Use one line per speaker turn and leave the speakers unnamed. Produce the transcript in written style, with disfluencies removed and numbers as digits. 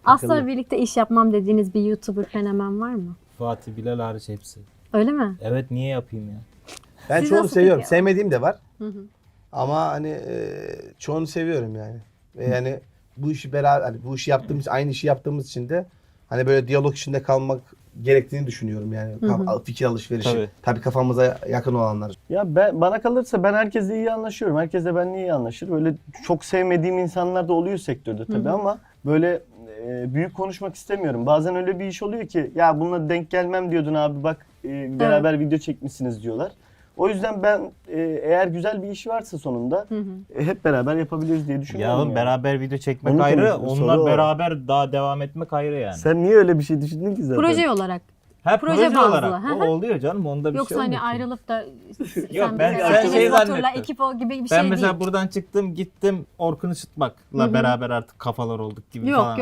Asla birlikte iş yapmam dediğiniz bir YouTuber fenomen var mı?
Fatih Bilal hariç hepsi.
Öyle mi?
Evet, niye yapayım ya?
Ben
Siz
çoğunu
nasıl
seviyorum.
peki?
Sevmediğim de var.
Hı hı.
Ama hani çoğunu seviyorum yani. Ve yani bu işi beraber, hani bu işi yaptığımız, aynı işi yaptığımız için de hani böyle diyalog içinde kalmak gerektiğini düşünüyorum yani. Fikir alışverişi. Tabii kafamıza yakın olanlar.
Ya bana kalırsa ben herkesle iyi anlaşıyorum. Herkes de benimle iyi anlaşır. Böyle çok sevmediğim insanlar da oluyor sektörde tabii ama böyle büyük konuşmak istemiyorum. Bazen öyle bir iş oluyor ki ya bununla denk gelmem diyordun abi bak beraber video çekmişsiniz diyorlar. O yüzden ben eğer güzel bir iş varsa sonunda hep beraber yapabiliriz diye düşünüyorum.
Ya
yani.
beraber video çekmek
Onu
ayrı,
konuşuyoruz,
onlar
soru o.
beraber daha devam etmek ayrı yani.
Sen niye öyle bir şey düşündün ki zaten?
Proje olarak.
Ha,
proje
proje
bazlı.
olarak.
Hı hı.
O oluyor canım, onda bir
Yoksa
şey
hani
olmuyor ki.
ayrılıp da
Yok,
sen
ben
mesela
şey
Enes Batur'la
zannettim.
ekip ol gibi bir
Ben
şey
mesela
değil.
buradan çıktım gittim Orkun Işıtmak'la beraber artık kafalar olduk gibi
Yok,
falan.